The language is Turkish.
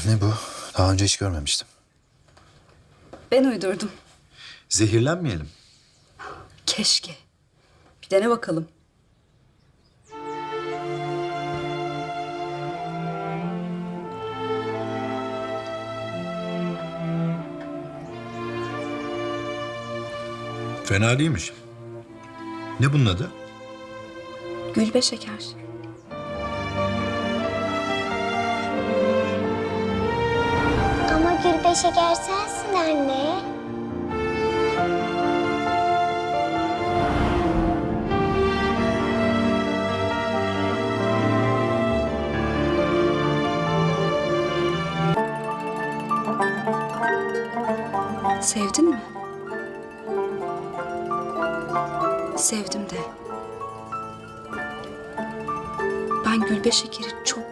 Ne bu? Daha önce hiç görmemiştim. Ben uydurdum. Zehirlenmeyelim. Keşke. Bir dene bakalım. Fena değilmiş. Ne bunun adı? Gülbe şeker. Ama Gülbe şeker sensin anne. Sevdin mi? Sevdim de. Ben Gülbe şekeri çok